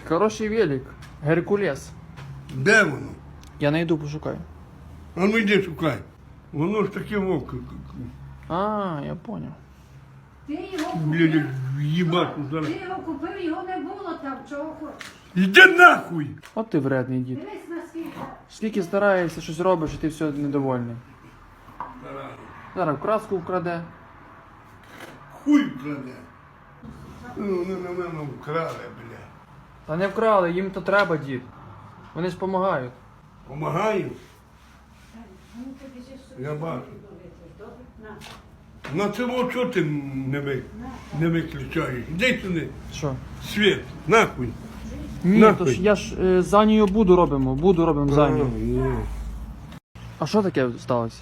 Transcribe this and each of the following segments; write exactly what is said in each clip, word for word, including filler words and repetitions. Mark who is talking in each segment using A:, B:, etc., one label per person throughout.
A: Хороший велик. Геркулес.
B: Де воно?
A: Я найду пошукаю.
B: А ну йди шукай. Воно ж таке око.
A: А, я понял.
C: Ти його
B: Блядь,
C: купив,
B: їбати зараз.
C: ти його купив, його не було там, чого хочеш.
B: Іди нахуй!
A: От ти вредний дід.
C: Дивись на скільки.
A: Скільки стараєшся, щось робиш, і ти все недовольний. Зараз краску вкраде.
B: Хуй вкраде. Ну, вони на мене вкрали, бля.
A: Та не вкрали, їм то треба, дід. Вони ж допомагають.
B: Помагаю?
C: Ну, ти біжиш собі.
B: Я бачу.
C: Добре? На.
B: На цього чого ти не, ви, не виключаєш? Іди сюди.
A: Що?
B: Світ, нахуй.
A: Ні,
B: Нахуй.
A: то ж я ж е, за нею буду робимо, буду робимо за нею.
B: Ні.
A: А що таке сталося?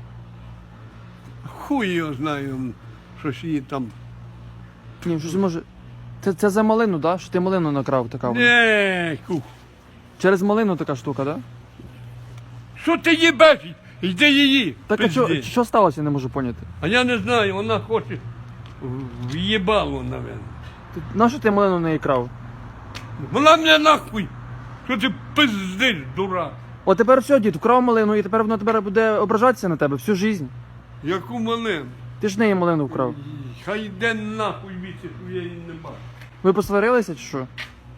B: Хуй його знаю, щось її там.
A: Ні, щось може. Це, це за малину, да? Що ти малину накрав така? вона?
B: Не, хух.
A: Через малину така штука, да?
B: Що ти їбеш? Йди її.
A: Так а що,
B: пизди.
A: що сталося, я не можу поняти.
B: А я не знаю, вона хоче в- в'їбало, напевно.
A: Ти, на що ти малину не крав?
B: Вона мене нахуй. Що ти пиздиш, дурак?
A: О, тепер все, дід, вкрав малину, і тепер вона тепер буде ображатися на тебе всю життя.
B: Яку малину?
A: Ти ж неї малину вкрав.
B: Хай йде нахуй віці, що я її не бачу.
A: Ви посварилися чи що?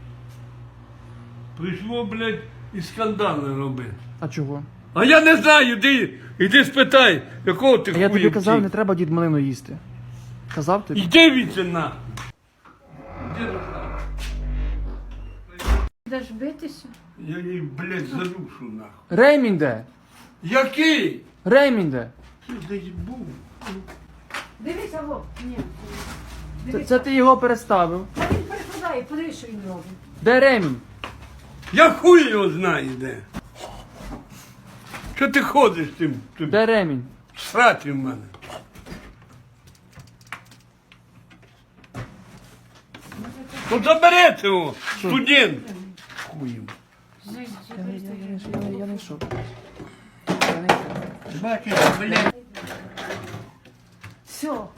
B: Прийшло, блядь, і скандали робити.
A: А чого?
B: А я не знаю, іди, іди спитай, якого ти
A: А я тобі
B: хуя
A: казав,
B: втік.
A: не треба дід малину їсти. Казав тобі?
B: Іди віці нахуй. Іди нахуй.
C: Будеш битися?
B: Я її, блядь, задушу нахуй.
A: Ремінь де?
B: Який?
A: Ремінь де?
B: Ти десь був.
C: Дивися, во. Ні.
A: Це,
C: Дивися.
A: це ти його переставив.
C: А він перекладає, подивись, що він робить.
A: Де ремінь?
B: Я хуй його знаю де. Що ти ходиш тим, тим
A: Де ремінь?
B: сраті в мене? Ну забери цього, студент. Хуєм.
A: Я, я, я не йшов. Я не йшов.
B: Бачиш, блядь.
C: Все,